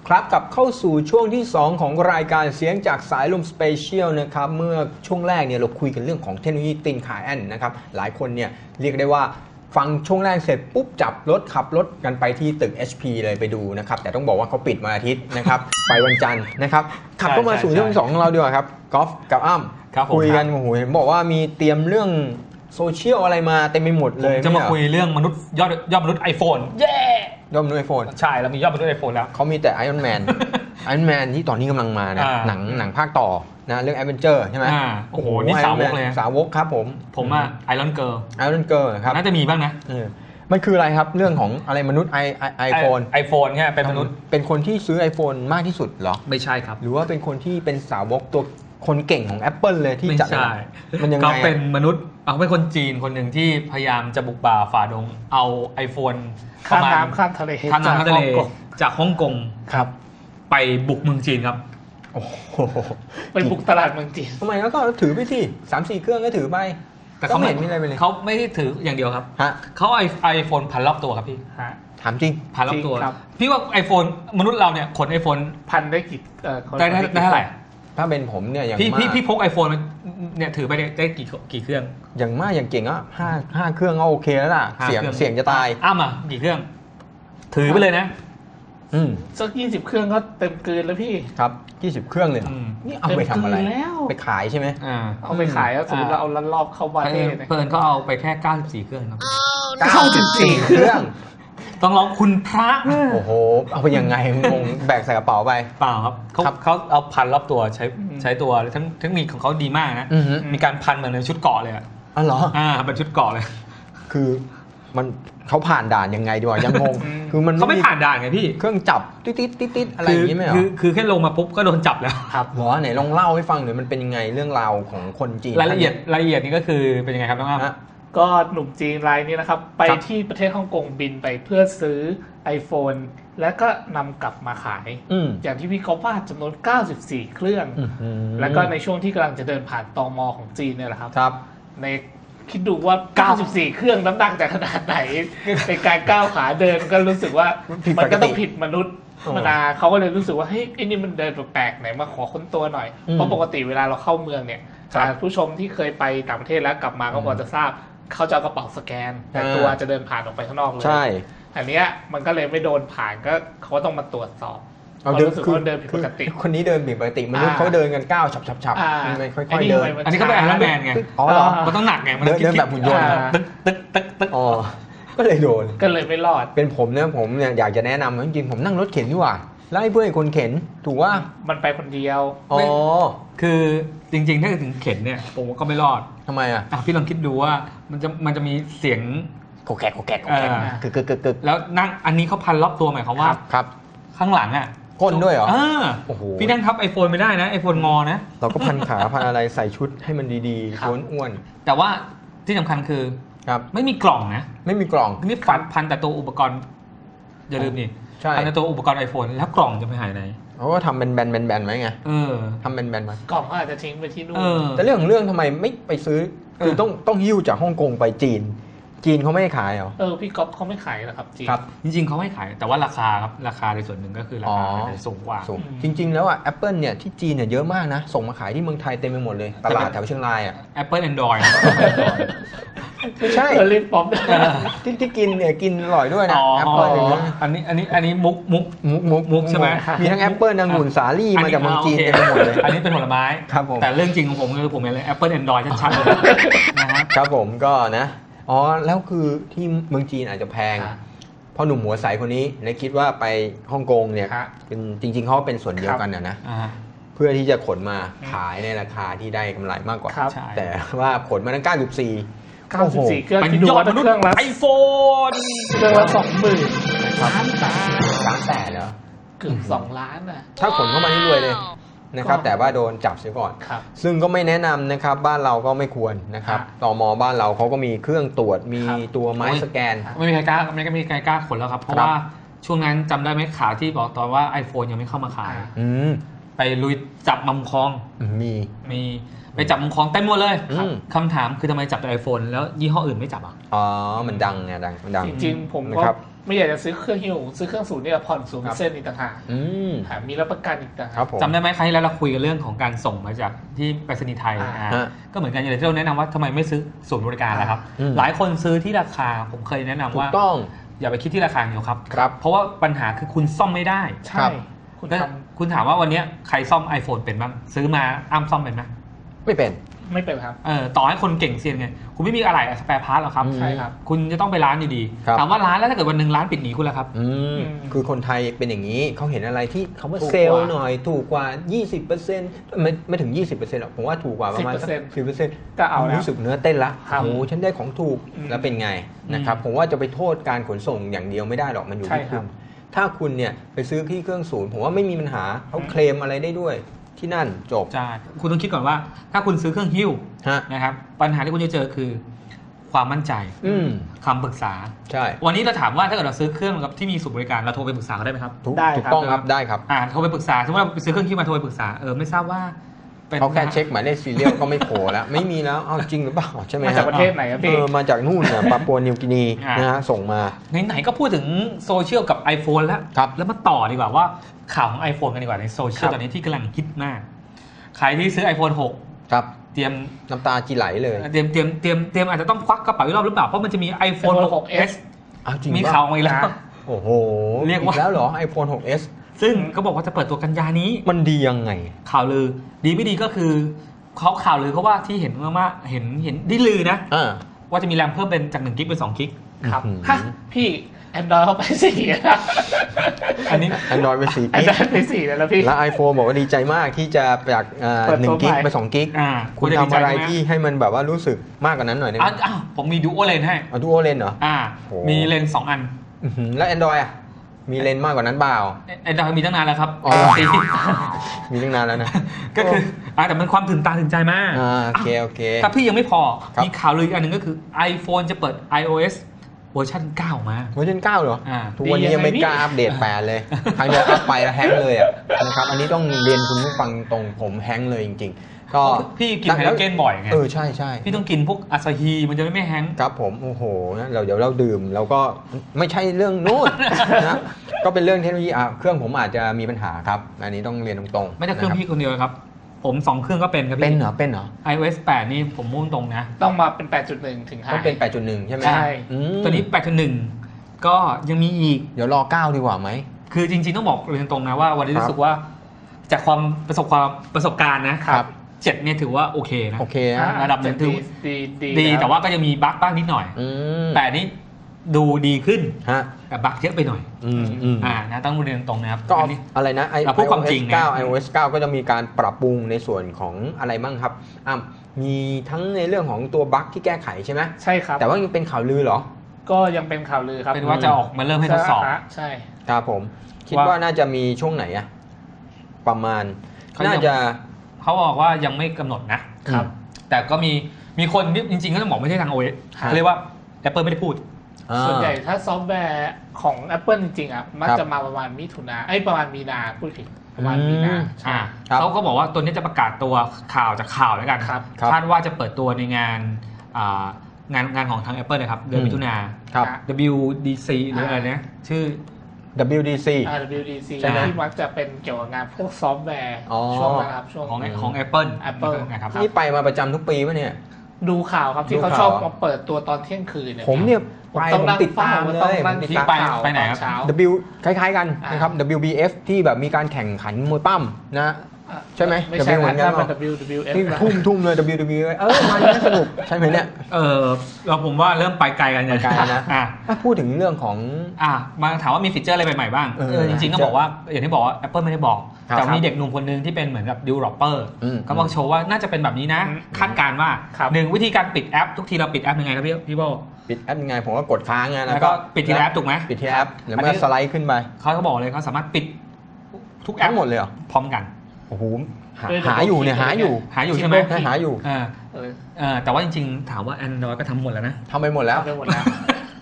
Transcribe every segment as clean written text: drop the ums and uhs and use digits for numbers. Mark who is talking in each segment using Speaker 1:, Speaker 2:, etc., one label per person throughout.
Speaker 1: ครับกลับเข้าสู่ช่วงที่ 2 ของรายการเสียงจากสายลมสเปเชียลนะครับเมื่อช่วงแรกเนี่ยเราคุยกันเรื่องของเทคโนโลยีตินคาแอนนะครับหลายคนเนี่ยเรียกได้ว่าฟังช่วงแรกเสร็จปุ๊บจับรถขับรถกันไปที่ตึก HP เลยไปดูนะครับแต่ต้องบอกว่าเขาปิดวันอาทิตย์นะครับ ไปวันจันทร์นะครับขับเข้ามาสู่ช่วงที่ 2 ของเราดีกว่าครับกอล์ฟกับอ้ำคุยกันโอ้โหเห็นบอกว่ามีเตรียมเรื่องโซเชียลอะไรมาเต็มไปหมดเลย
Speaker 2: จะมาคุยเรื่องมนุษย์ยอดมนุษย์ iPhone เย้
Speaker 1: ยอดมนุษย์ iPhone
Speaker 2: ใช่เรามียอดมนุษย์ iPhone แล้ว
Speaker 1: เขามีแต่ Iron Man Iron Man ที่ตอนนี้กำลังมานะหนังภาคต่อนะเรื่อง Adventure ใช่ไหม
Speaker 2: โอ้โหนี่สาวกเลย
Speaker 1: สาวกครับผม
Speaker 2: อะ Iron Girl
Speaker 1: ครับ
Speaker 2: น่าจะมีบ้างนะ
Speaker 1: มันคืออะไรครับเรื่องของอะไรมนุษย์
Speaker 2: iPhone เนี่ยเป็นมนุษย์
Speaker 1: เป็นคนที่ซื้อ iPhone มากที่สุดเหรอ
Speaker 2: ไม่ใช่ครับ
Speaker 1: หรือว่าเป็นคนที่เป็นสาวกตัวคนเก่งของ Apple เลยที่จัด
Speaker 2: มันยังไงก็เป็นมนุษย์เป็นคนจีนคนหนึ่งที่พยายามจะบุกป่าฝ่าดงเอา iPhone
Speaker 3: ข้ามน้ำข้ามทะเล
Speaker 2: จากฮ่องกง
Speaker 1: ครับ
Speaker 2: ไปบุกเมืองจีนครับ
Speaker 1: โอ้โห
Speaker 3: ไปบุกตลาดเมืองจีน
Speaker 1: ทำไมแล้วก็ถือไปที่ 3-4 เครื่องก็ถือไป
Speaker 2: แต่เขาไม่เห็นมีอะไรเลยเขาไม่ได้ถืออย่างเดียวครับเขาไอโฟนพันรอบตัวครับพี่
Speaker 1: ถามจริง
Speaker 2: พันรอบตัวพี่ว่า iPhone มนุษย์เราเนี่ยขน iPhone
Speaker 3: พันได้กี่
Speaker 2: ได้เท่าไหร่
Speaker 1: ถ้าเป็นผมเนี่ยอย่าง
Speaker 2: มากพี่พก iPhone เนี่ยถือไปได้กี่เครื่อง
Speaker 1: อย่างมากอย่างเก่งก็5เครื่องก็โอเคแล้วล่ะเสียงจะตาย
Speaker 2: กี่เครื่องถือไปเลยนะ
Speaker 3: สัก20เครื่องก็เต็มเกินแล้วพี่
Speaker 1: ครับ20เครื่องเลยนี่เอาไปทำอะไรไปขายใช่ไหม
Speaker 3: เอาไปขายแล้วสมมติเราเอาลันรอบเข้าบ้าน
Speaker 2: เพิ่นก็เอาไปแค่94เครื่องครับ
Speaker 1: 94เครื่อง
Speaker 2: ต้องร้องคุณพระ
Speaker 1: โอ้โหเอาไปยังไงงงแบกใส่กระเป๋าไป
Speaker 2: เปล่าครับเขาเอาพันรอบตัวใช้ตัวเทคนิคของเขาดีมากนะมีการพันเหมือนในชุดเกาะเลย
Speaker 1: อ๋อเหรอ
Speaker 2: เป็นชุดเกาะเลย
Speaker 1: คือมันเขาผ่านด่านยังไงดีวะยังงง
Speaker 2: คือมันเขาไม่ผ่านด่านไงพี่
Speaker 1: เครื่องจับติดอะไรอย่างนี้ไหม
Speaker 2: คือแค่ลงมาปุ๊บก็โดนจับแล้ว
Speaker 1: ครับหรอไหนลองเล่าให้ฟังหน่อยมันเป็นยังไงเรื่องราวของคนจีน
Speaker 2: รายละเอียดนี่ก็คือเป็นยังไงครับน้องอ้ำ
Speaker 3: ก็หนุ่มจีนรายนี้นะครับไปที่ประเทศฮ่องกงบินไปเพื่อซื้อ iPhone แล้วก็นำกลับมาขายอย่างที่พี่เขาว่าจำนวน94เครื่องแล้วก็ในช่วงที่กำลังจะเดินผ่านตม.ของจีนเนี่ยแหละครับในคิดดูว่า94เครื่องน้ำหนักจะขนาดไหนในการก้าวขาเดินก็รู้สึกว่ามันก็ต้องผิดมนุษย์เขาก็เลยรู้สึกว่าเฮ้ยไอ้นี่มันเดินแปลกๆไหนมาขอค้นตัวหน่อยเพราะปกติเวลาเราเข้าเมืองเนี่ยผู้ชมที่เคยไปต่างประเทศแล้วกลับมาก็พอจะทราบเขาจะเอากระเป๋าสแกนแต่ตัวจะเดินผ่านออกไปข้างนอกเลย
Speaker 1: ใช่
Speaker 3: อันนี้มันก็เลยไม่โดนผ่านก็เขาต้องมาตรวจสอบ
Speaker 1: เขารู้สึกว่าเดินผิดปกติคนนี้เดินผิดปกติมนุษย์เขาเดินกันก้าวฉับไม่ค่อยๆเดิน
Speaker 2: อันนี้ก็เป็นไอรอนแมนไง
Speaker 1: อ๋อเหรอ
Speaker 2: มันต้องหนักไงมัน
Speaker 1: เดินแบบหุ่นยนต์ตึกอ๋อก็เลยโดน
Speaker 3: ก็เลยไม่รอด
Speaker 1: เป็นผมเนี่ยอยากจะแนะนำจริงๆผมนั่งรถเข็นดีกว่าไล่เพื่อนคนเข็นถูกว่า
Speaker 3: มันไปคนเดียว
Speaker 1: อ๋อ
Speaker 2: คือจริงๆถ้าถึงเข็นเนี่ยผมก็ไม่รอด
Speaker 1: ทำไม
Speaker 2: พี่ลองคิดดูว่ามันจะมีเสียง
Speaker 1: โกแกกกึก
Speaker 2: แล้วนั่งอันนี้เขาพันรอบตัวหมายความว่า
Speaker 1: ครับ
Speaker 2: ข้างหลัง
Speaker 1: ก้นด้วยเหรอ
Speaker 2: โอ้โหพี่นั่งทับ iPhone ไม่ได้นะ iPhone งอนะ
Speaker 1: เราก็พันขาพันอะไรใส่ชุดให้มันดีๆอ้วน
Speaker 2: ๆแต่ว่าที่สำคัญคือไม่มีกล่องนะ
Speaker 1: ไม่มีกล่อง
Speaker 2: นี่พันแต่ตัวอุปกรณ์อย่าลืมนี่พันแต่ตัวอุปกรณ์ iPhone แล้วกล่องจะไปหายไหน
Speaker 1: เขาก็ทำเป็นแบนไว้ไงทำเป็นแบนไว้
Speaker 3: กล่องอาจจะทิ้งไปที่นู่น
Speaker 1: แต่เรื่องทำไมไม่ไปซื้อคือต้องหิ้วจากฮ่องกงไปจีนเขาไม่ขายเหรอ
Speaker 3: พี่ก๊อฟเขาไม่ขายหรอครับจีน
Speaker 2: ครับจริงๆเขาไม่ขายแต่ว่าราคาครับราคาในส่วนหนึ่งก็คือราคาสูงกว่า
Speaker 1: จริงๆแล้วApple เนี่ยที่จีนเนี่ยเยอะมากนะส่งมาขายที่เมืองไทยเต็มไปหมดเลยตลาดแถวเชียงราย
Speaker 2: Apple Android
Speaker 1: ไม่ใช่
Speaker 3: ลิปป๊อป
Speaker 1: ที่กินเนี่ยกินอร่อยด้วยนะ
Speaker 2: Apple อันนี้มุกใช่ไหม
Speaker 1: มีทั้ง Apple นางหุ่นสาลี่มาจากเมืองจีนเต็มไปหมดเลย
Speaker 2: อันนี้เป็นผลไม้
Speaker 1: ครับผม
Speaker 2: แต่เรื่องจริงของผมคือผมเห็นเลย Apple Android ชัดๆเลย
Speaker 1: นะครับผมก็นะแล้วคือที่เมืองจีนอาจจะแพงเพราะหนุ่มหัวใสคนนี้เลยคิดว่าไปฮ่องกงเนี่ยเป็นจริงๆเขาเป็นส่วนเดียวกันนะเพื่อที่จะขนมาขายในราคาที่ได้กำไรมากกว่าแต่ว่าขนมาตั้ง94
Speaker 3: เครื่อง
Speaker 2: เป็นยอดมนุษย์ iPhone
Speaker 3: เครื่องละ 20,000 ล้าน
Speaker 1: แต่เหรอ
Speaker 3: เกือบ2 ล้าน
Speaker 1: ถ้าขนเข้ามานี่รวยเลยนะครับแต่ว่าโดนจับเสียก่อนซึ่งก็ไม่แนะนำนะครับบ้านเราก็ไม่ควรนะครับตม.บ้านเราเขาก็มีเครื่องตรวจมีตัวไม้สแกน
Speaker 2: ไม่มีใครกล้าขนแล้วครับเพราะว่าช่วงนั้นจำได้ไหมข่าวที่บอกตอนว่า iPhone ยังไม่เข้ามาขายไปลุยจับมุมคลองมีไปจับมุมคลองเต็มหมดเลยคำถามคือทำไมจับแต่ iPhone แล้วยี่ห้ออื่นไม่จับ
Speaker 1: มันดังไงมันดัง
Speaker 3: จริงๆผมก็ไม่อยากจะซื้อเครื่องฮิ้วซื้อเครื่องศูนย์เนี่ยผ่อน0%อีกต่างหากมีรับประกันอีกต่างหาก
Speaker 2: จำได้ไหมครั้งที่แล้วเราคุยกันเรื่องของการส่งมาจากที่ไปรษณีย์ไทยก็เหมือนกันอย่างที่เราแนะนำว่าทำไมไม่ซื้อศูนย์บริการล่ะครับหลายคนซื้อที่ราคาผมเคยแนะนำว่าอย่าไปคิดที่ราคาเดียวครับเพราะว่าปัญหาคือคุณซ่อมไม่ได้
Speaker 3: ใช่
Speaker 2: คุณถามว่าวันนี้ใครซ่อม iPhone เป็นบ้างซื้อมาอ้ำซ่อมเป็นไหม
Speaker 1: ไม่เป็น
Speaker 3: ครับ
Speaker 2: ต่อให้คนเก่งเซียนไงคุณไม่มีอะไรสแปร์พาร์ทหรอกครับ
Speaker 3: ใช่ครับ
Speaker 2: คุณจะต้องไปร้านดีๆถามว่าร้านแล้วถ้าเกิดวันหนึ่งร้านปิดหนีคุณล่ะครับ
Speaker 1: คือคนไทยเป็นอย่างนี้เขาเห็นอะไรที่เขาว่าเซลล์หน่อยถูกกว่า 20% ไม่ถึง 20% หรอกผมว่าถูกกว่าประมาณ 10%
Speaker 3: ก็เอาแล้ว
Speaker 1: รู้สึกเนื้อเต้นละโอ้ฉันได้ของถูกแล้วเป็นไงนะครับผมว่าจะไปโทษการขนส่งอย่างเดียวไม่ได้หรอกมันอยู่ที่คุณถ้าคุณเนี่ยไปซื้อที่เครื่องศูนย์ผมว่าไม่มีปัญหาเขาเคลมอะไรได้ด้วยที่นั่นจบ
Speaker 2: ใช่คุณต้องคิดก่อนว่าถ้าคุณซื้อเครื่องฮิ้วนะครับปัญหาที่คุณจะเจอคือความมั่นใจคำปรึกษา
Speaker 1: ใช่
Speaker 2: วันนี้เราถามว่าถ้าเกิดเราซื้อเครื่องกับที่มีศูนย์บริการเราโทรไปปรึกษาเขาได้ไหมครับ
Speaker 1: ถูกต้องครับได้ครับ
Speaker 2: โทรไปปรึกษาสมมติเราไปซื้อเครื่องฮิ้วมาโทรไปปรึกษาไม่ทราบว่า
Speaker 1: เขาแค่เช็คหมายเลขซีเรียลก็ไม่โผล่แล้วไม่มีแล้วจริงหรือเปล่าใช่ไหม
Speaker 3: มาจากประเทศไหนครับพี่
Speaker 1: มาจากนู่นเนี่ยปาปัวนิวกินีนะฮะส่งมา
Speaker 2: ไหนๆก็พูดถึงโซเชียลกับ iPhone แล้วมาต่อดีกว่าว่าข่าวของ iPhone กันดีกว่าในโซเชียลตอนนี้ที่กำลังฮิตมากใครที่ซื้อ iPhone 6
Speaker 1: ครับ
Speaker 2: เตรียม
Speaker 1: น้ำตาจีไหลเลย
Speaker 2: เตรียมอาจจะต้องควักกระเป๋าอีกรอบหรือเปล่าเพราะมันจะมี iPhone 6s มีข่าวมาอีกแล้ว
Speaker 1: โอ้โหเรียกว่าแล้วเหรอ iPhone 6s
Speaker 2: ซึ่งเขาบอกว่าจะเปิดตัวกันยานี้
Speaker 1: มันดียังไง
Speaker 2: ข่าวลือดีไม่ดีก็คือเขาข่าวลือเขาว่าที่เห็นว่าเห็นได้ลือนะว่าจะมีแรมเพิ่มเป็นจาก1 กิกเป็น2 กิก
Speaker 3: ครับฮะพี่Android เข้าไป4
Speaker 2: อันนี้
Speaker 1: Android ไป4 กิก
Speaker 3: ไป4แล้วพี่
Speaker 1: แล้ว iPhone บอกว่าดีใจมากที่จะจาก1 กิกไป2 กิกคุณทำอะไรที่ให้มันแบบว่ารู้สึกมากกว่านั้นหน่อยได้ไหม
Speaker 2: ผมมี Dual Lens ให้
Speaker 1: Dual Lens เหรอ
Speaker 2: มีเลนส์2 อัน
Speaker 1: แล้ว Android มีเลนส์มากกว่านั้นเปล่า
Speaker 2: Android มีตั้งนานแล้วครับ
Speaker 1: มีตั้งนานแล้วนะ
Speaker 2: ก็คือแต่มันความตื่นตาตื่นใจมาก
Speaker 1: โอเค
Speaker 2: ถ้าพี่ยังไม่พอมีข่าวลืออีกอันหนึ่งก็คือ iPhone จะเปิด iOSเวอร์ชัน9มา
Speaker 1: เวอร์ชัน9เหรอทุกวันนี้ยังไม่กล้าอัปเดต8เลยครั้งเดียวอัปไปแล้วแฮงเลยนะครับอันนี้ต้องเรียนคุณผู้ฟังตรงผมแฮงเลยจริงๆก็
Speaker 2: พี่กินไฮโดรเจนบ่อยไง
Speaker 1: ใช่
Speaker 2: พี่ต้องกินพวกอาซาฮีมันจะไม่แฮง
Speaker 1: ครับผมโอ้โหเดี๋ยวเราดื่มเราก็ไม่ใช่เรื่องนู้นนะก็เป็นเรื่องเทคโนโลยีเครื่องผมอาจจะมีปัญหาครับอันนี้ต้องเรียนตรง
Speaker 2: ๆไม่ใช่เครื่องพี่คนเดียวครับผม2 เครื่องก็เป็นครับพี่
Speaker 1: เป็นเหรอ
Speaker 2: iOS 8นี่ผมมุ่งตรงนะ
Speaker 3: ต้องมาเป็น 8.1 ถึง5
Speaker 1: ต้องเป็น 8.1 ใช่ไหม
Speaker 3: ใช่
Speaker 2: ตัวนี้ 8.1 ก็ยังมีอีก
Speaker 1: เดี๋ยวรอ9ดีกว่าไหม
Speaker 2: คือจริงๆต้องบอกเรียนตรงนะว่าวันนี้รู้สึกว่าจากความประสบการณ์นะครับ7เนี่ยถือว่าโอเคนะระดับนึงถือดีแต่ว่าก็ยังมีบั๊กบ้างนิดหน่อยแต่นี้ดูดีขึ้นแต่บั๊กเยอะไปหน่อยนะต้องเรียนตรงนะครับ
Speaker 1: ก็อะไรนะ
Speaker 2: iOS
Speaker 1: 9 ก็จะมีการปรับปรุงในส่วนของอะไรบ้างครับมีทั้งในเรื่องของตัวบั๊กที่แก้ไขใช่ไหม
Speaker 3: ใช่ครับ
Speaker 1: แต่ว่ายังเป็นข่าวลือเหรอ
Speaker 3: ก็ยังเป็นข่าวลือครับ
Speaker 2: เป็นว่าจะออกมาเริ่มให้ทดสอบ
Speaker 3: ใช่
Speaker 1: ครับผมคิดว่าน่าจะมีช่วงไหนประมาณน่าจะ
Speaker 2: เขาบอกว่ายังไม่กำหนดนะครับแต่ก็มีคนจริงๆก็ต้องบอกไม่ใช่ทาง OS เรียกว่า Apple ไม่ได้พูด
Speaker 3: ส่วนใหญ่ถ้าซอฟต์แวร์ของ Apple จริงๆมักจะมาประมาณมิถุนาประมาณมีนาพูดผิดประมาณมีนา
Speaker 2: เขาก็บอกว่าตัวนี้จะประกาศตัวข่าวจากข่าวแล้วกันคาดว่าจะเปิดตัวในงานของทาง Apple นะครับเดือนมิถุนา WDC หรืออะไรนะชื่อ
Speaker 1: WDC
Speaker 3: ที่มักจะเป็นเกี่ยวกับงานพวกซอฟต์แวร์ช่วงนะครับช่วง
Speaker 2: ของ Apple
Speaker 1: นะครับนี่ไปมาประจำทุกปีป่ะเนี่ย
Speaker 3: ดูข่าวครับที่เขาชอบมาเปิดตัวตอนเที่ยงคืนเนี่ย
Speaker 1: ผมเนี่ยผมติดตามเลย
Speaker 2: ที่ไปไหนครับ
Speaker 1: W คล้ายๆกันนะครับ WBF ที่แบบมีการแข่งขันมวยปั้มนะใช่ไหม
Speaker 3: ไม่ใช่เหมือนกันWWF
Speaker 1: ที่ทุ่มเลย WWF มันน่าสนุกใช่ไหมเนี่ย
Speaker 2: เราผมว่าเริ่มไปไกลกัน
Speaker 1: ไกลนะถ้าพูดถึงเรื่องของ
Speaker 2: มาถามว่ามีฟีเจอร์อะไรใหม่ๆบ้างจริงๆต้องบอกว่าอย่างที่บอกว่า Apple ไม่ได้บอกแต่มีเด็กหนุ่มคนนึงที่เป็นเหมือนกับ developer ก็มาโชว์ว่าน่าจะเป็นแบบนี้นะคาดการณ์ว่า1วิธีการปิดแอปทุกทีเราปิดแอปยังไงครับพี่โบ
Speaker 1: ปิดแอปยังไงผมก็กดค้างนะ
Speaker 2: แล้วก็ปิดทีละแอปถูกไหม
Speaker 1: ปิดทีละแอปแล้วเมื่อสไลด์ขึ้นไป
Speaker 2: เขาบอกเลยเขาสามารถปิดทุกแอป
Speaker 1: หมดเลยเหรอ
Speaker 2: พร้อมกัน
Speaker 1: โอ้โหหาอยู่
Speaker 2: ใช่ไหม
Speaker 1: หาอยู่
Speaker 2: แต่ว่าจริงๆถามว่า Android ก็ทำหมดแล้วนะ
Speaker 1: ทำไปหมดแล้ว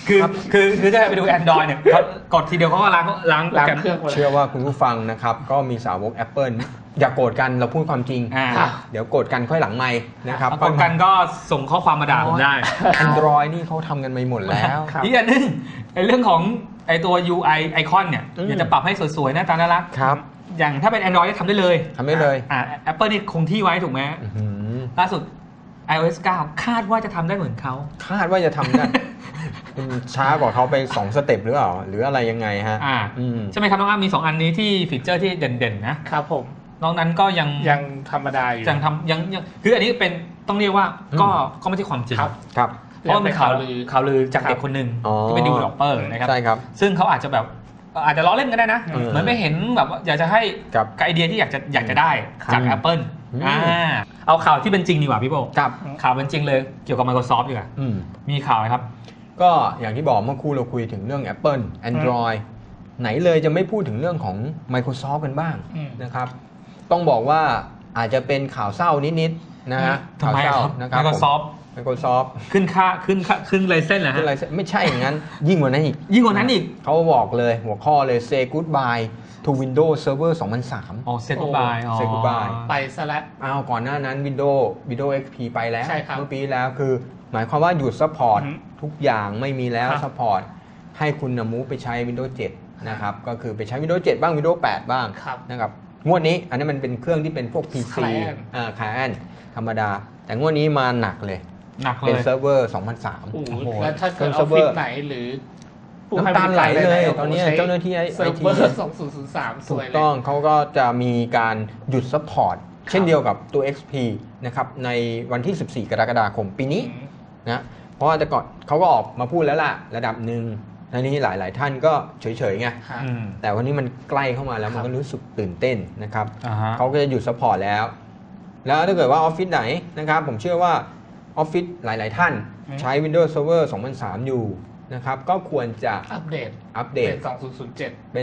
Speaker 2: คือถ้าไปดู Android เนี่ยเขากดทีเดียวเขาก็ล้างโปรแกรม
Speaker 3: เครื่อง
Speaker 1: เชื่อว่าคุณผู้ฟังนะครับก็มีสาวก Apple อย่าโกรธกันเราพูดความจริง เดี๋ยวโกรธกันค่อยหลังไมค์นะครับ
Speaker 2: กดกันก็ส่งข้อความมาด่าผมได้
Speaker 1: Android นี่เขาทำกันไปหมดแล้ว
Speaker 2: อีกอันนึงในเรื่องของไอตัว UI ไอคอนเนี่ยอยากจะปรับให้สวยๆหน้าตาน่ารัก
Speaker 1: ครับ
Speaker 2: อย่างถ้าเป็น Android ทำได้เลย
Speaker 1: ทำได้เลย
Speaker 2: Apple นี่คงที่ไว้ถูกไหม
Speaker 1: อื้อหือ
Speaker 2: ล่าสุด iOS 9 คาดว่าจะทำได้เหมือนเขา
Speaker 1: คาดว่าจะทำได้ คุณช้ากว่าเขาไป2สเต็ปหรือเปล่าหรืออะไรยังไงฮะ
Speaker 2: ใช่ไหมครับน้องอ้ำมี 2 อันนี้ที่ฟีเจอร์ที่เด่นๆนะครับ
Speaker 3: ผม
Speaker 2: นอกนั้นก็ยัง
Speaker 3: ธรรมดาอยู่
Speaker 2: ยังคืออันนี้เป็นต้องเรียกว่าก็ไม่ใช่ความจริง
Speaker 1: ครับ
Speaker 2: เพราะมันเป็นข่าวลือจากเด็กคนหนึ่งที่เป็น developer นะครับ
Speaker 1: ใช่ครับ
Speaker 2: ซึ่งเขาอาจจะแบบอาจจะล้อเล่นก็ได้นะ เหมือนไม่เห็นแบบว่าอยากจะให้กับไอเดียที่อยากจะได้จาก Apple เอาข่าวที่เป็นจริงดีกว่าพี่โบ
Speaker 1: ครับ
Speaker 2: ข่าวเป็นจริงเลยเกี่ยวกับ Microsoft ดีกว่ามีข่าวไหมครับ
Speaker 1: ก็อย่างที่บอกเมื่อครู่เราคุยถึงเรื่อง Apple Android ไหนเลยจะไม่พูดถึงเรื่องของ Microsoft กันบ้างนะครับต้องบอกว่าอาจจะเป็นข่าวเศร้านิดๆนะฮะ
Speaker 2: ทำไม
Speaker 1: ข่าวเศร้า
Speaker 2: ครับ
Speaker 1: นะครับ Microsoft
Speaker 2: ขึ้นไลเซนส์เหรอฮะ
Speaker 1: ไม่ใช่อย่างนั้น ยิ่งกว่านั้นอีก เขาบอกเลยหัวข้อเลย say goodbye to Windows Server 2003
Speaker 2: อ๋อ say goodbye
Speaker 1: say goodbye
Speaker 3: ไปซะแล้ว
Speaker 1: ก่อนหน้านั้น Windows XP ไปแล้ว
Speaker 3: ใช่ครับ
Speaker 1: เมื่อปีแล้วคือหมายความว่าหยุดซัพพอร์ตทุกอย่างไม่มีแล้ว
Speaker 3: ครับ
Speaker 1: ซัพพอร์ตให้คุณมูฟไปใช้ Windows 7 นะครับก็คือไปใช้ Windows 7 บ้าง Windows 8 บ้าง
Speaker 3: ครับ
Speaker 1: นะครับงวดนี้อันนี้มันเป็นเครื่องที่เป็นพวก PC Client ธรรมดา แต่งวดนี้มาหนักเลย เป็นเซิร์ฟเวอร์ 2003
Speaker 3: โอ้โหแล้วถ้าเกิด
Speaker 1: เซิ
Speaker 3: ออ
Speaker 1: ร์
Speaker 3: ฟ
Speaker 1: ฟเวอ
Speaker 3: ฟิ
Speaker 1: ร์
Speaker 3: ศไหนหรือ
Speaker 1: น้ำตาลไหลเลยตอนนี้เจ้าหน้าที่
Speaker 3: เซิร์ฟเวอร์ 2003 ส
Speaker 1: ถู
Speaker 3: ว
Speaker 1: ก
Speaker 3: ยเลย
Speaker 1: ต้องเขาก็จะมีการหยุดซัพพอร์ตเช่นเดียวกับตัว XP นะครับในวันที่ 14 กรกฎาคมปีนี้นะเพราะว่าแต่ก่อนเขาก็ออกมาพูดแล้วล่ะระดับหนึ่งในนี้หลายๆท่านก็เฉยๆไงแต่วันนี้มันใกล้เข้ามาแล้วมันก็รู้สึกตื่นเต้นนะครับเขาก็จะหยุดซัพพอร์ตแล้วถ้าเกิดว่าออฟฟิศไหนนะครับผมเชื่อว่าออฟฟิศหลายๆท่านใช้ Windows Server 2003 อยู่นะครับก็ควรจะอัปเดตเป็น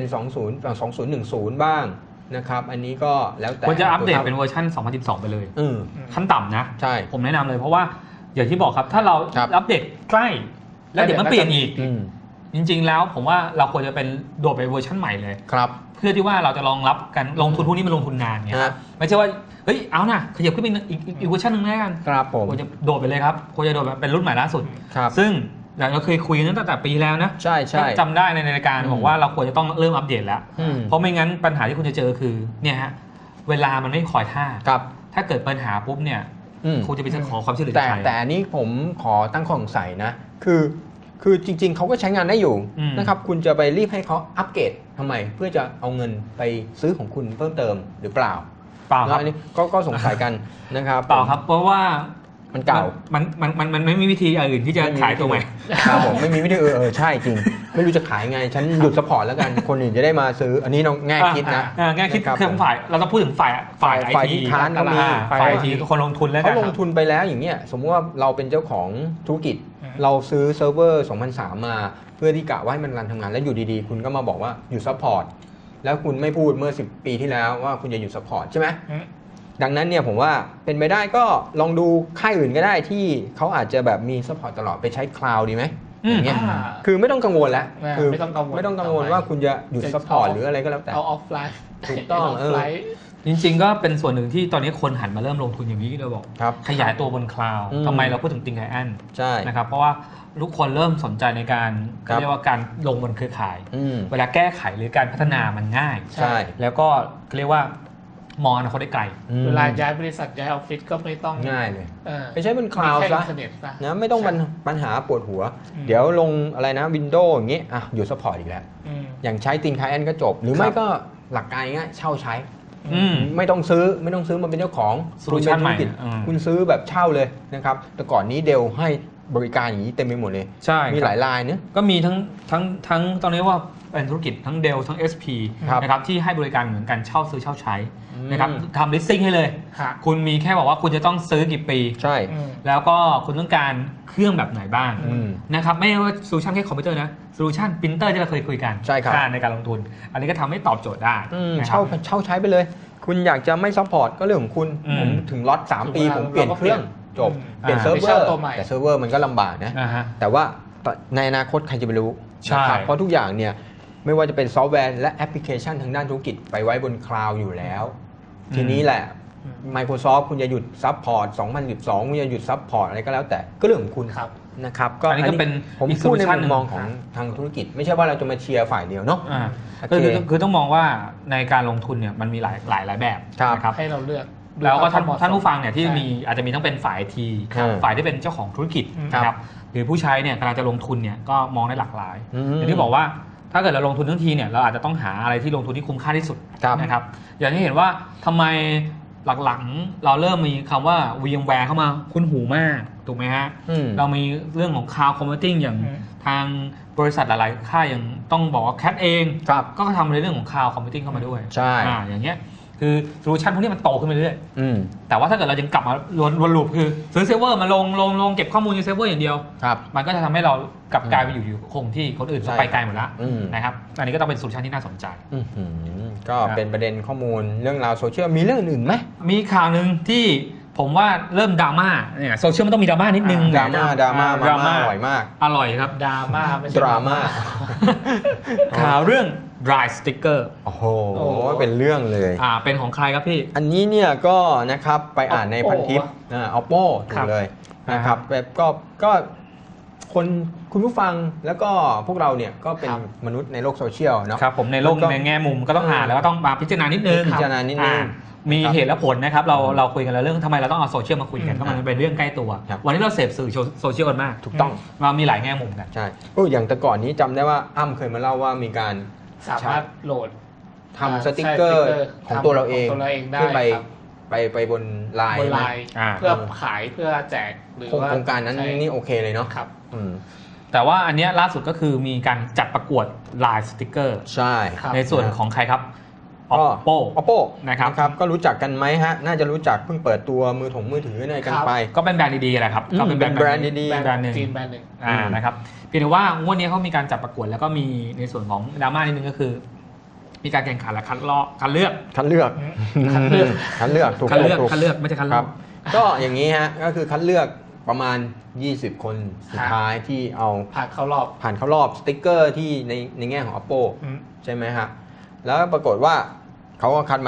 Speaker 1: 2010 บ้างนะครับอันนี้ก็แล้วแต่
Speaker 2: ควรจะอัปเดตเป็นเวอร์ชัน2012 ไปเลยขั้นต่ำนะใช่ผมแนะนำเลยเพราะว่าอย่างที่บอกครับถ้าเราอัปเดตใกล้แล้วเดี๋ยวมันเปลี่ยนอีกจริงๆแล้วผมว่าเราควรจะเป็นโดดไปเวอร์ชันใหม่เลย
Speaker 1: ครับ
Speaker 2: เพื่อที่ว่าเราจะรองรับกันลงทุนพวกนี้มันลงทุนนานไงไม่ใช่ว่าเฮ้ยเอานะขยับขึ้นไปอีกเวอร์ชันนึงแล้วกัน
Speaker 1: ครับผม
Speaker 2: ควรจะโดดไปเลยครับควรจะโดดแบบเป็นรุ่นใหม่ล่าสุดซึ่งเราเคยคุยกันตั้งแต่ปีแล้วนะ
Speaker 1: ใช่
Speaker 2: จำได้ในรายการบอกว่าเราควรจะต้องเริ่มอัปเดตแล้วเพราะไม่งั้นปัญหาที่คุณจะเจอคือเนี่ยฮะเวลามันไม่คอยท่าถ้าเกิดปัญหาปุ๊บเนี่ยคุณจะไปขอความช่วยเหลือจากใคร
Speaker 1: แต่อันนี้ผมขอตั้งข้อสงสัยนะคือจริงๆเขาก็ใช้งานได้อยู่นะครับคุณจะไปรีบให้เขาอัปเกรดทำไมเพื่อจะเอาเงินไปซื้อของคุณเพิ่มเติมหรือเปล่า
Speaker 2: ครับ
Speaker 1: อันนี้ก็สงสัยกันนะครับ
Speaker 2: เปล่าครับเพราะว่า
Speaker 1: มันเก่า
Speaker 2: มันไม่มีวิธีอื่นที่จะขายตัวใหม่
Speaker 1: ครับผมไม่มีวิธีใช่จริงไม่รู้จะขายไงฉันหยุดซัพพอร์ตแล้วกันคนอื่นจะได้มาซื้ออันนี้น้องแง่คิดนะ
Speaker 2: แง่คิดคือฝ่ายเราต้องพูดถึงฝ่ายไอที
Speaker 1: ค้านก็มี
Speaker 2: ฝ่ายไอทีคนลงทุนแล้ว
Speaker 1: เขาลงทุนไปแล้วอย่างเงี้ยสมมติว่าเราเป็นเจ้าของธุรกิจเราซื้อเซิร์ฟเวอร์ 2003 มาเพื่อที่กะว่าให้มันรันทำงานแล้วอยู่ดีๆคุณก็มาบอกว่าหยุดซัพพอร์ตแล้วคุณไม่พูดเมื่อ10 ปีที่แล้วว่าคุณจะหยุดซัพพอร์ตใช่ไหมดังนั้นเนี่ยผมว่าเป็นไปได้ก็ลองดูค่ายอื่นก็ได้ที่เขาอาจจะแบบมีซัพพอร์ตตลอดไปใช้คลาวด์ดีไหมอย่างเงี้ยคือไม่ต้องกังวลแล้วคือไม่ต้องกังวลว่าคุณจะหยุดซัพพอร์ตหรืออะไรก็แล้วแต่
Speaker 3: เอาออฟไลน์
Speaker 1: ถูกต้อง
Speaker 2: จริงๆก็เป็นส่วนหนึ่งที่ตอนนี้คนหันมาเริ่มลงทุนอย่างนี้เราบอกขยายตัวบนคลาวด์ทำไมเราพูดถึงติงไคแอน
Speaker 1: ใช่
Speaker 2: นะครับเพราะว่าทุกคนเริ่มสนใจในการเรียกว่าการลงบนเครือข่ายเวลาแก้ไขหรือการพัฒนามันง่าย
Speaker 1: ใช่
Speaker 2: แล้วก็เรียกว่ามองอนาคตได้ไกล
Speaker 3: เวลาย้ายบริษัทย้ายออฟฟิศก็ไม่ต้อง
Speaker 1: ง่ายเลยไปใช้บนคลาวด์ซะนะไม่ต้องปัญหาปวดหัวเดี๋ยวลงอะไรนะ Windows อย่างงี้อยู่ซัพพอร์ตอีกแล้วอย่างใช้ติงไคแอนก็จบหรือไม่ก็หลักการง่ายเช่าใช้ไม่ต้องซื้อมาเป็นเจ้าของ
Speaker 2: โซลูชันใหม่
Speaker 1: คุณซื้อแบบเช่าเลยนะครับแต่ก่อนนี้เดลให้บริการอย่างนี้เต็มไปหมดเลย
Speaker 2: ใช่
Speaker 1: มีหลายรายเนอะ
Speaker 2: ก็มีทั้งตอนนี้ว่าเป็นธุรกิจทั้งเดลทั้ง SP นะครับที่ให้บริการเหมือนกันเช่าซื้อเช่าใช้นะครับทำลิสติ้งให้เลยคุณมีแค่บอกว่าคุณจะต้องซื้อกี่ปี
Speaker 1: ใช่
Speaker 2: แล้วก็คุณต้องการเครื่องแบบไหนบ้างนะครับไม่ว่าโซลูชันแค่คอมพิวเตอร์นะโซลูชันปรินเตอร์ที่เราเคยคุยกัน
Speaker 1: ใช่ครับ
Speaker 2: ในการลงทุนอันนี้ก็ทำให้ตอบโจทย์ได้
Speaker 1: เช่าใช้ไปเลยคุณอยากจะไม่ซัพพอร์ตก็เรื่องของคุณผมถึงล็อต3 ปีผมเปลี่ยนเครื่องจบเปลี่ยนเซิร์ฟเวอร์แต่เซิร์ฟเวอร์มันก็ลำบากนะแต่ว่าในอนาคตใครจะไปรู้
Speaker 2: ใช่
Speaker 1: นะครับเพราะทุกอย่างเนี่ยไม่ว่าจะเป็นซอฟต์แวร์และแอปพลิเคชันทางด้านธุรกิจไปไว้บนคลาวด์อยู่แล้ว ทีนี้แหละ Microsoft คุณจะหยุดซัพพอร์ต 2012 คุณจะหยุดซัพพอร์ตอะไรก็แล้วแต่ก็เรื่องของคุณ
Speaker 3: ครับ
Speaker 1: นะครับ
Speaker 2: อันนี้ก็เป็น
Speaker 1: ผม
Speaker 2: อีก
Speaker 1: พูดใน
Speaker 2: solution
Speaker 1: มุมมองของทางธุรกิจ ไม่ใช่ว่าเราจะมาเชียร์ฝ่ายเดียวเนาะ
Speaker 2: คือต้องมองว่าในการลงทุนเนี่ยมันมีหลายแบบนะครับ
Speaker 3: ให้เราเลือก
Speaker 2: แล้วก็
Speaker 3: ดูควมเหมะสม
Speaker 2: ท่านผู้ฟังเนี่ยที่
Speaker 3: ใช่
Speaker 2: มีอาจจะมีทั้งเป็นฝ่ายที
Speaker 1: ครับ
Speaker 2: ฝ่ายที่เป็นเจ้าของธุรกิจ
Speaker 1: ครับ
Speaker 2: นะครับหรือผู้ใช้เนี่ยกำลังจะลงทุนเนี่ยก็มองได้หลากหลาย
Speaker 1: อืม
Speaker 2: อย่างที่บอกว่าถ้าเกิดเราลงทุนทั้งทีเนี่ยเราอาจจะต้องหาอะไรที่ลงทุนที่คุ้มค่าที่สุด
Speaker 1: ครับ
Speaker 2: นะครับอย่างที่เห็นว่าทำไมหลังๆเราเริ่มมีคำว่า VMware เข้ามาคุ้นหูมากถูกไหมฮะ
Speaker 1: อืม
Speaker 2: เรามีเรื่องของ Cloud Computing อย่าง
Speaker 3: อืม
Speaker 2: ทางบริษัทหลายๆค่ายอย่างต้องบอกว่า CAT เอง
Speaker 1: ครับ
Speaker 2: ก็ทำในเรื่องของ Cloud Computing เข้ามาด้วย
Speaker 1: ใช่
Speaker 2: อย่างเงี้ยคือโซลูชันพวกนี้มันโตขึ้นไปเรื่อย
Speaker 1: อืม
Speaker 2: แต่ว่าถ้าเกิดเรายังกลับมาวนลูปคือซื้อเซิร์ฟเวอร์มาลงเก็บข้อมูลในเซิร์ฟเวอร์อย่างเดียว
Speaker 1: ครับ
Speaker 2: มันก็จะทำให้เรากลับกลายไปอยู่คงที่คนอื่น
Speaker 1: ใช่
Speaker 2: ไปไกลหมดแล้ว
Speaker 1: อืม
Speaker 2: นะครับอันนี้ก็ต้องเป็นโซลูชันที่น่าสนใจ
Speaker 1: อื้อหือก็เป็นประเด็นข้อมูลเรื่องราวโซเชียลมีเรื่องอื่นไหม
Speaker 2: มีข่าวหนึ่งที่ผมว่าเริ่มดราม่าเนี่ยโซเชียลมันต้องมีดราม่านิดนึง
Speaker 1: ดราม่าดราม่า
Speaker 2: ดราม่า
Speaker 1: อร่อยมาก
Speaker 2: อร่อยครับ
Speaker 3: ดราม่าไม่ใช่
Speaker 1: ดราม่า
Speaker 2: ข่าวเรื่อง dry sticker
Speaker 1: โอ้โห
Speaker 3: โอ้โห
Speaker 1: เป็นเรื่องเลย
Speaker 2: เป็นของใครครับพี่
Speaker 1: อันนี้เนี่ยก็นะครับไปอ่านใน
Speaker 3: Oppo
Speaker 1: พันทิปOppo ถู
Speaker 3: ครั
Speaker 1: ก
Speaker 3: บ
Speaker 1: เลยนะครับแบบก็คนคุณผู้ฟังแล้วก็พวกเราเนี่ยก็เป็น
Speaker 3: ครับ
Speaker 1: มนุษย์ในโลกโซเชียลเนาะ
Speaker 2: ครับผมในโลก
Speaker 1: แล้วก็
Speaker 2: ในแง่มุมก็ต้องอ่านแล้วก็ต้องมาพิจารณานิดนึง
Speaker 1: พิจารณานิดนึง
Speaker 2: มี
Speaker 1: ครับ
Speaker 2: เหตุและผลนะครับเราคุยกันแล้วเรื่องทำไมเราต้องเอาโซเชียลมาคุยกัน
Speaker 3: อืม
Speaker 2: ก็มันเป็นเรื่องใกล้ตัว
Speaker 1: ครับ
Speaker 2: วันนี้เราเสพสื่อโซเชียลกันมาก
Speaker 1: ถูกต้อง
Speaker 2: เรามีหลายแง่มุมกัน
Speaker 1: ใช่อย่างแต่ก่อนนี้จำได้ว่าอ้ำเคยมาเล่าว่ามีการ
Speaker 3: สามารถโหลด
Speaker 1: ทำสติกเกอร์ของตัวเราเอง
Speaker 3: ของตัวเราเองได้
Speaker 1: ขึ้นไป
Speaker 3: ครับ
Speaker 1: ไปบนไลน์
Speaker 3: บนไล
Speaker 1: นะ
Speaker 3: น์
Speaker 2: อ่า
Speaker 3: เพื่อขายเพื่อแจกหรือว่า
Speaker 1: โครงการนั้น
Speaker 3: ใช่
Speaker 1: นี่โอเคเลยเนาะ
Speaker 3: ครับ
Speaker 1: อืม
Speaker 2: แต่ว่าอันเนี้ยล่าสุดก็คือมีการจัดประกวดลายสติกเกอร์
Speaker 1: ใช่
Speaker 3: ครับ
Speaker 2: ในส่วนของใครครับ
Speaker 1: ก็
Speaker 2: Oppo
Speaker 1: นะครับก็รู้จักกันไหมฮะ น่าจะรู้จักเพิ่งเปิดตัวมือถืออะไรกันไป
Speaker 2: ก็เป็นแบรนด์ดีๆแหละครับ
Speaker 1: อืม
Speaker 2: ก็เป็น
Speaker 1: เป็นแบรนด์ดีๆ
Speaker 2: แบรนด์หนึ่ง
Speaker 3: จีนแบรนด์หนึ่ง
Speaker 2: นะครับเพียงแต่ว่างวดนี้เขามีการจัดประกวดแล้วก็มีในส่วนของดราม่านิดนึงก็คือ มีการแข่งขันและคัดเลือก
Speaker 1: คัดเลือก
Speaker 3: คัดเลือก
Speaker 1: คัดเลือกถูก
Speaker 2: คัดเลือก
Speaker 1: ถูก
Speaker 2: คัดเลือกไม่ใช่คัด
Speaker 1: ค
Speaker 2: เลื
Speaker 1: รั
Speaker 2: อบ ก
Speaker 1: ก็อย่างนี้ฮะก็คือคัดเลือกประมาณ 20 คนสุดท้ายที่เอา
Speaker 3: ผ่านเข้ารอบ
Speaker 1: ผ่านเข้ารอบสติ๊กเกอร์ที่ในแง่ของ Oppo
Speaker 3: อืม
Speaker 1: ใช่ไหมฮะแล้วปรากฏว่าเขาก็คัดมา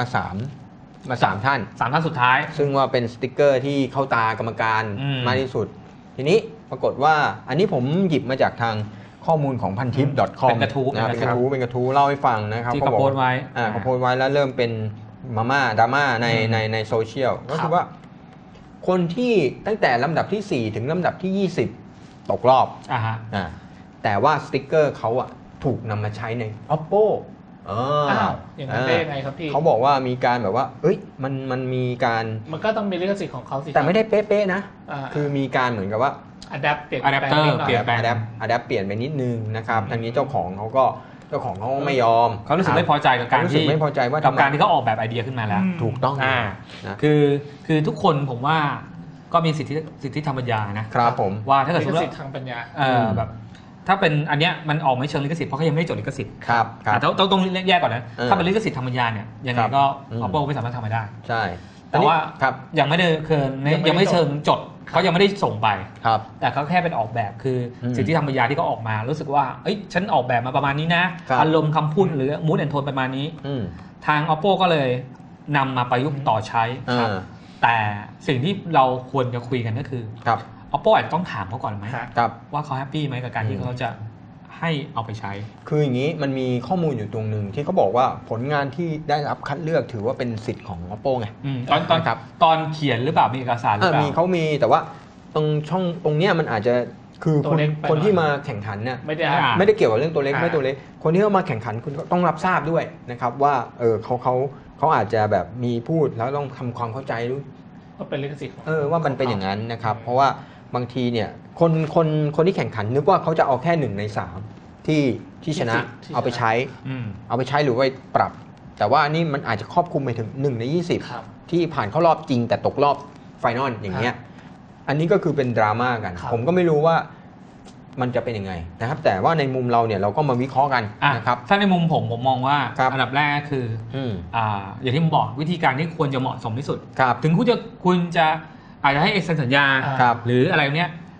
Speaker 1: 3ท่าน
Speaker 2: 3 ท่านสุดท้าย
Speaker 1: ซึ่งว่าเป็นสติกเกอร์ที่เข้าตากรรมการ
Speaker 2: อืม
Speaker 1: มากที่สุด ทีนี้ปรากฏว่าอันนี้ผมหยิบมาจากทางข้อมูลของพันทิป .com
Speaker 2: เป็นกระทู้
Speaker 1: นะเป็นกระทู้เล่าให้ฟังนะครับ
Speaker 2: ที่เขาโพสต์ไว้
Speaker 1: เขาโพสต์ไว้แล้วเริ่มเป็นดราม่าในโซเชียลก็คือว่า คนที่ตั้งแต่ลำดับที่ 4 ถึงลำดับที่ 20 ตกรอบ
Speaker 2: ฮะ
Speaker 1: แต่ว่าสติกเกอร์เขาอะถูกนำมาใช้ใน Oppo
Speaker 3: อ้าวอย่างนั้นได้ยังไงครับพี่
Speaker 1: เขาบอกว่ามีการแบบว่า เอ้ยมันมีการ
Speaker 3: มันก็ต้องมีลิขสิทธิ์ของเขาสิ
Speaker 1: แต่ไม่ได้เป๊ะๆนะ
Speaker 3: า
Speaker 1: คือมีการเหมือนกับว่า
Speaker 3: อะแดปเปลี่ยน
Speaker 2: Adapter
Speaker 3: แปลงนิดหน่อย
Speaker 2: เปลี่ยนแปลง
Speaker 1: อะแดปเปลี่ยนไปนิดนึงนะครับทางนี้เจ้าของเขาก็ไม่ยอม
Speaker 2: เขารู้สึกไม่พอใจกับการ
Speaker 1: รู้สึก
Speaker 2: ที่
Speaker 1: ไม่พอใจว่า
Speaker 2: กับ
Speaker 1: ทำไม
Speaker 2: การที่เขาออกแบบไอเดียขึ้นมาแล้ว
Speaker 1: ถูกต้อง นะ
Speaker 2: คือทุกคนผมว่าก็มีสิทธิทางปัญญานะครับ
Speaker 1: ผม
Speaker 2: ว่าถ้าเกิด
Speaker 3: ลิ
Speaker 2: สม
Speaker 3: ข
Speaker 2: มติ
Speaker 3: สิทธิ์ทางปัญญา
Speaker 2: แบบถ้าเป็นอันเนี้ยมันออกไม่เชิงลิขสิทธิ์เพราะเขายังไม่ได้จดลิขสิทธิ์
Speaker 1: ครับ
Speaker 2: ต้องแยกก่อนนะ
Speaker 1: เออ
Speaker 2: ถ้าเป็นลิขสิทธิ์ทางปัญญาเนี่ยยังไง
Speaker 1: ครับ
Speaker 2: ก็
Speaker 1: อืม
Speaker 2: Oppo ไม่สามารถทำมาได้
Speaker 1: ใช่
Speaker 2: แต่ว่า
Speaker 1: ครับ
Speaker 2: ยังไม่ได้ยังไม่เชิงจดเขายังไม่ได้ส่งไป
Speaker 1: ครับ
Speaker 2: แต่เขาแค่เป็นออกแบบคืออ
Speaker 1: ม
Speaker 2: สิทธิทางปัญญาที่เขาออกมารู้สึกว่าเอ้ยฉันออกแบบมาประมาณนี้นะครับ อารมณ์คำพูดหรือมูดแอนโทนประมาณนี้
Speaker 1: อืม
Speaker 2: ทาง Oppo ก็เลยนำมาประยุกต์ต่อใช้
Speaker 1: อ่า
Speaker 2: แต่สิ่งที่เราควรจะคุยกันก็คือ
Speaker 1: ครับ
Speaker 2: Oppo อาจจะต้องถามเขาก่อนไหม
Speaker 3: ครับ
Speaker 1: ครับ
Speaker 2: ว่าเขาแฮปปี้ไหมกับการที่เขาจะให้เอาไปใช้
Speaker 1: คืออย่างนี้มันมีข้อมูลอยู่ตรงหนึ่งที่เขาบอกว่าผลงานที่ได้รับคัดเลือกถือว่าเป็นสิทธิ์ของ Oppo ไง
Speaker 2: ครับ ตอนเขียนหรือเปล่ามีเอกสารหรือเปล่า
Speaker 1: มีเขามีแต่ว่าตรงช่องตรงเนี้ยมันอาจจะคือ
Speaker 3: ตัวเล็กไป
Speaker 1: คนที่
Speaker 3: หน่อย
Speaker 1: มาแข่งขันเนี่ย
Speaker 3: ไม่ได้
Speaker 2: อ่า
Speaker 1: ไม่ได้เกี่ยวกับเรื่องตัวเล็ก
Speaker 3: อ่า
Speaker 1: ไม่ตัวเล็กคนที่เข้ามาแข่งขันคุณก็ต้องรับทราบด้วยนะครับว่าเขาอาจจะแบบมีพูดแล้วต้องทำความเข้าใจรู้
Speaker 3: ก็เป็นลิขสิทธิ์ของ
Speaker 1: ว่ามันเป็นอย่างนั้นนะครับ เพราะว่าบางทีเนี่ยคนที่แข่งขันนึกว่าเขาจะเอาแค่1 ใน 3ที่ชนะเอาไปใช้ เอาไปใช้หรือไปปรับ แต่ว่านี่มันอาจจะครอบคลุมไปถึง1 ใน
Speaker 3: ครับ
Speaker 1: 20 ที่ผ่านเข้ารอบจริงแต่ตกรอบไฟนอลอย่างเงี้ยอันนี้ก็คือเป็นดราม่ากัน
Speaker 3: ครับ
Speaker 1: ผมก็ไม่รู้ว่ามันจะเป็นยังไงนะครับแต่ว่าในมุมเราเนี่ยเราก็มาวิเคราะห์กันนะครับ
Speaker 2: ถ้าในมุมผมมองว่า
Speaker 1: ครับ
Speaker 2: อันดับแรกก็คือ
Speaker 1: ม
Speaker 2: อย่างที่ผมบอกวิธีการที่ควรจะเหมาะสมที่สุด
Speaker 1: ครับ
Speaker 2: ถึงคุณจะอาจจะให้เอ็กเซนสัญญา
Speaker 3: อ่า
Speaker 1: ครับ
Speaker 2: หรืออะไรเนี้ย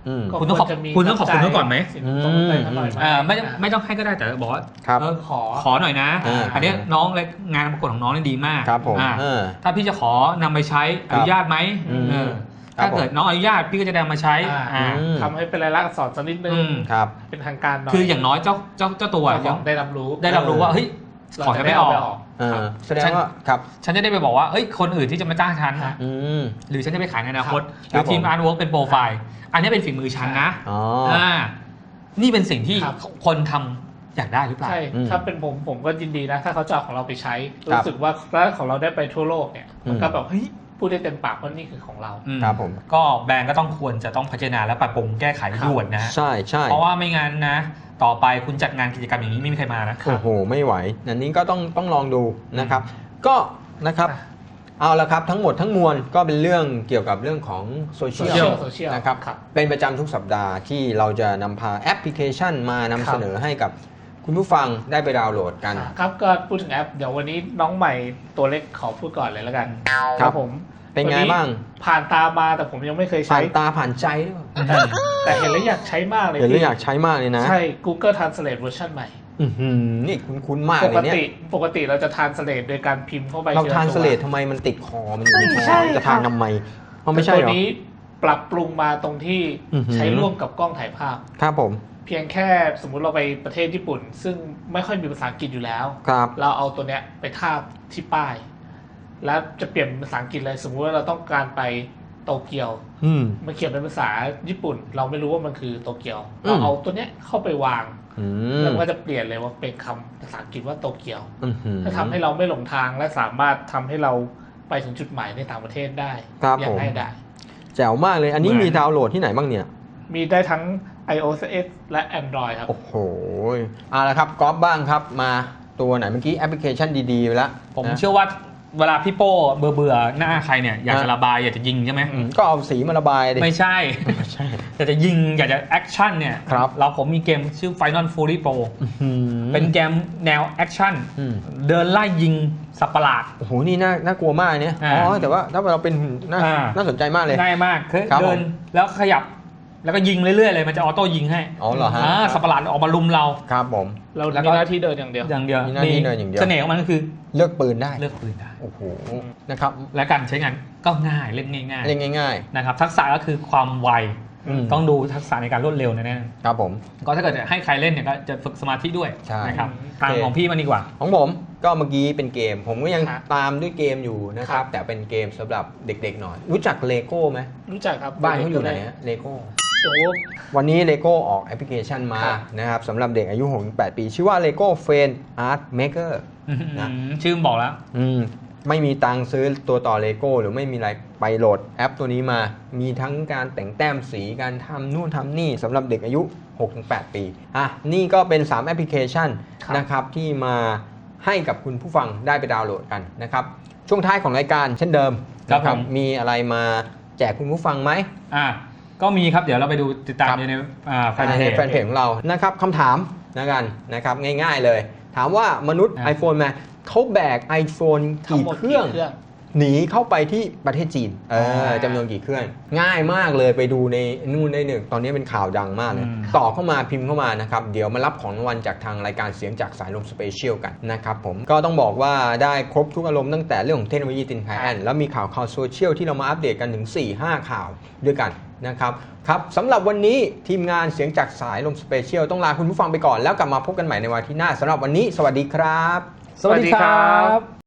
Speaker 3: ก็
Speaker 2: คุณต้องขอบ
Speaker 3: วรจะมี
Speaker 2: คุณต้องขอบคุณเขาก่อนไหม
Speaker 3: สินสมรสอะไรหน่อยไหม
Speaker 2: ไม่ต้องให้ก็ได้แต่บอกว่า
Speaker 1: ครับ
Speaker 2: ขอหน่อยนะ อันนี้น้องและงานประกวดของน้องนี่ดีมาก
Speaker 1: ครับผม
Speaker 2: ถ้าพี่จะขอนำไปใช้อนุญาตไหม ถ้าเกิดน้องอนุญาตพี่ก็จะนำมาใช้
Speaker 3: ทำให้เป็นลายลักษณ์อักษรสักนิดนึง
Speaker 1: ครับ
Speaker 3: เป็นทางการหน่อย
Speaker 2: คืออย่างน้อยเจ้าตัว
Speaker 3: เจ้าของได้รับรู้
Speaker 2: ว่าเฮ้ยขอจะไม่ออก
Speaker 1: แสดงว่าครับ
Speaker 2: ฉันจะได้ไปบอกว่าเฮ้ยคนอื่นที่จะมาจ้างฉัน หรือฉันจะไปขายในอนาคตหรือทีมอาร์ตเวิร์กเป็นโปรไฟล์อันนี้เป็นฝีมือฉันนะนี่เป็นสิ่งที่คนทำอยากได้หรือเปล่า
Speaker 3: ใช่ถ้าเป็นผมก็ยินดีนะถ้าเขาจะเอาของเราไปใช้รู้สึกว่าถ้าของเราได้ไปทั่วโลกเนี่ยมันก็แบบเฮ้ยพูดได้เต็มปากว่านี่คือของเรา
Speaker 1: ครับผม
Speaker 2: ก็แบรนด์ก็ต้องควรจะต้องพัฒนาและปรับปรุงแก้ไขด่วนนะ
Speaker 1: ใช่ใช่
Speaker 2: เพราะว่าไม่งั้นนะต่อไปคุณจัดงานกิจกรรมอย่างนี้ไม่มีใครมานะ
Speaker 1: โอ้โหไม่ไหวอันนี้ก็ต้องลองดูนะครับก็นะครับเอาละครับทั้งหมดทั้งมวลก็เป็นเรื่องเกี่ยวกับเรื่องของโซเชียลนะครับเป็นประจำทุกสัปดาห์ที่เราจะนำพาแอปพลิเคชันมานำเสนอให้กับคุณผู้ฟังได้ไปดาวน์โหลดกัน
Speaker 3: ครับก็พูดถึงแอปเดี๋ยววันนี้น้องใหม่ตัวเล็กขอพูดก่อนเลยแล้วกันครับผม
Speaker 1: เป็นไงบ้าง
Speaker 3: ผ่านตามาแต่ผมยังไม่เคยใช้
Speaker 1: ผ่านตาผ่านใจหรือเปล่า
Speaker 3: แต่เห็นแล้วอยากใช้มากเลย
Speaker 1: เห็นแล้วอยากใช้มากเลยนะ
Speaker 3: ใช่ Google Translate เวอร์ชันใหม่
Speaker 1: นี่คุ้นๆมาก
Speaker 3: ป
Speaker 1: เล
Speaker 3: ก
Speaker 1: ยเนี่ย
Speaker 3: ปกติเราจะ Translate โดยการพิมพ์เข้าไป
Speaker 1: เราทานสเลททำไมมันติดคอมันอยู่ในคอจะทานทำไมมันไม่ใช่หรอ
Speaker 3: ตัวนี้ปรับปรุงมาตรงที่ใช้ร่วมกับกล้องถ่ายภาพ
Speaker 1: ครับผม
Speaker 3: เพียงแค่สมมุติเราไปประเทศญี่ปุ่น ซึ่งไม่ค่อยมีภาษาอังกฤษอยู่แล้ว
Speaker 1: ครับ
Speaker 3: เราเอาตัวเนี้ยไปทาบที่ป้าย แล้วจะเปลี่ยนเป็นภาษาอังกฤษเลยสมมุติว่าเราต้องการไปโตเกียวมันเขียนเป็นภาษาญี่ปุ่น เราไม่รู้ว่ามันคือโตเกียวเราเอาตัวเนี้ยเข้าไปวางแล้วก็จะเปลี่ยนเลยว่าเป็นคำภาษาอังกฤษว่าโตเกียวถ้าทำให้เราไม่หลงทางและสามารถทำให้เราไปถึงจุดหมายในต่างประเทศได้อย่างง่ายดาย
Speaker 1: แจ๋วมากเลยอันนี้มีดาวน์โหลดที่ไหนบ้างเนี่ย
Speaker 3: มีได้ทั้ง iOS และ Android ครับ
Speaker 1: โอ้โหเอาละครับก๊อฟบ้างครับมาตัวไหนเมื่อกี้แอปพลิเคชันดีๆไปแล้ว
Speaker 2: ผมเชื่อว่าเวลาพี่โป้เบื่อหน้าใครเนี่ยอยากจะระบายอยากจะยิงใช่ไหม
Speaker 1: ก็เอาสีมาระบายดิ
Speaker 2: ไม่ใช่อยากจะยิงอยากจะแอคชั่นเนี่ยผมมีเกมชื่อ Final Fury Pro เป็นเกมแนวแอคชั่นเดินไล่ยิงสัตว์ประหลาด
Speaker 1: โอ้โหนี่น่ากลัวมากเนี่ยแต่ว่าถ้าเราเป็นน่าสนใจมากเลย
Speaker 2: ง่ายมากคือเดินแล้วขยับแล้วก็ยิงเรื่อยๆเลยมันจะออโต้ยิงให้
Speaker 1: อ๋อเหรอฮะ
Speaker 2: สัตว์ประหลาดออกมาลุมเรา
Speaker 1: ครับผม
Speaker 3: เรามีหน้าที่เดินอย่างเดียว
Speaker 1: มีหน้าที่เดินอย่างเดียว
Speaker 2: เสน่ห์ของมันก็คือ
Speaker 1: เลือกปืนได้โอ้โหนะครับ
Speaker 2: และการใช้งานก็ง่ายเล่นง่
Speaker 1: าย
Speaker 2: นะครับทักษะก็คือความไวต้องดูทักษะในการรวดเร็วแน่
Speaker 1: ๆครับผม
Speaker 2: ก็ถ้าเกิดให้ใครเล่นเนี่ยก็จะฝึกสมาธิด้วยนะครับทางของพี่มันดีกว่า
Speaker 1: ของผมก็เมื่อกี้เป็นเกมผมก็ยังตามด้วยเกมอยู่นะครับแต่เป็นเกมสำหรับเด็กๆหน่อยรู้จักเลโก้ไหม
Speaker 3: รู้จักครับ
Speaker 1: บ้านเขาอยู่ไหนเลโก้วันนี้ Lego ออกแอปพลิเคชันมานะครับสำหรับเด็กอายุ 6-8 ปีชื่อว่า Lego Friend Art Maker
Speaker 2: นะชื่อบอกแล้ว
Speaker 1: ไม่มีตังค์ซื้อตัวต่อ Lego หรือไม่มีอะไรไปโหลดแอปตัวนี้มามีทั้งการแต่งแต้มสีการทำนู่นทำนี่สำหรับเด็กอายุ 6-8 ปีนี่ก็เป็น3แอปพลิเคชันนะครับที่มาให้กับคุณผู้ฟังได้ไปดาวน์โหลดกันนะครับช่วงท้ายของรายการเช่นเดิมนะครับมีอะไรมาแจกคุณผู้ฟังไหม
Speaker 2: ก็มีครับเดี๋ยวเราไปดูติดตามใน
Speaker 1: แฟนเพจของเรานะครับคำถามนะครับง่ายๆเลยถามว่ามนุษย์ iPhone มาเขาแบก iPhone กี่เครื่องหนีเข้าไปที่ประเทศจีนจำนวนกี่เครื่องง่ายมากเลยไปดูในนู่นได้หนึ่งตอนนี้เป็นข่าวดังมากเลยต่อเข้ามาพิมพ์เข้ามานะครับเดี๋ยวมารับของรางวัลจากทางรายการเสียงจากสายลมสเปเชียลกันนะครับผมก็ต้องบอกว่าได้ครบทุกอารมณ์ตั้งแต่เรื่องของเทคโนโลยีตินไคแอนแล้วมีข่าวโซเชียลที่เรามาอัปเดตกันถึง 4-5 ข่าวด้วยกันนะครับสำหรับวันนี้ทีมงานเสียงจากสายลมสเปเชียลต้องลาคุณผู้ฟังไปก่อนแล้วกลับมาพบกันใหม่ในวันที่หน้าสำหรับวันนี้สวัสดีครับ
Speaker 2: สวัสดีครับ